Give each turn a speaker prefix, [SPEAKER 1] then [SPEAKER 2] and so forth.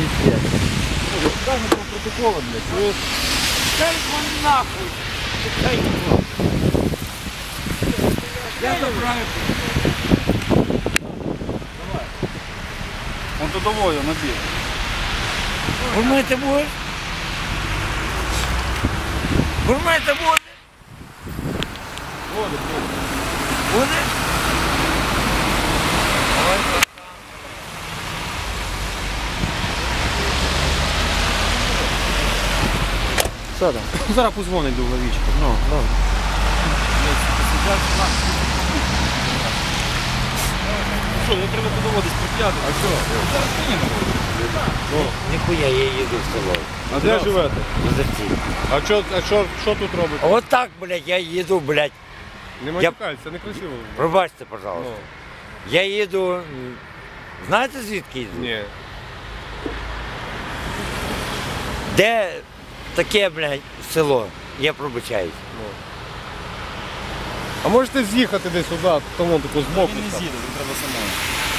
[SPEAKER 1] пиздец.
[SPEAKER 2] Дай мне протокола, блядь, чуешь?
[SPEAKER 1] Дай его нахуй! Дай его! Я забираю.
[SPEAKER 2] Давай. Он трудовой, он набил.
[SPEAKER 1] Гурмити будеш? Гурмити буде?
[SPEAKER 2] Воду, блядь.
[SPEAKER 1] Буде?
[SPEAKER 2] Що там? Зараз позвонить до Лавічка. Ну, добре. Що, не треба подоводись прип'яти? А що? Зараз поїдемо.
[SPEAKER 1] Ніхуя, я їду в село.
[SPEAKER 2] А де живете?
[SPEAKER 1] В Озерці.
[SPEAKER 2] А що тут робите?
[SPEAKER 1] От так, блядь, я їду, блядь.
[SPEAKER 2] Не матюкайся, не красиво.
[SPEAKER 1] Пробачте, пожалуйста. Я їду. Знаєте звідки їду?
[SPEAKER 2] Ні.
[SPEAKER 1] Де таке, блядь, село? Я пробачаюсь.
[SPEAKER 2] А можете з'їхати десь сюди, тому таку збоку?
[SPEAKER 3] Він не з'їде, він треба самому.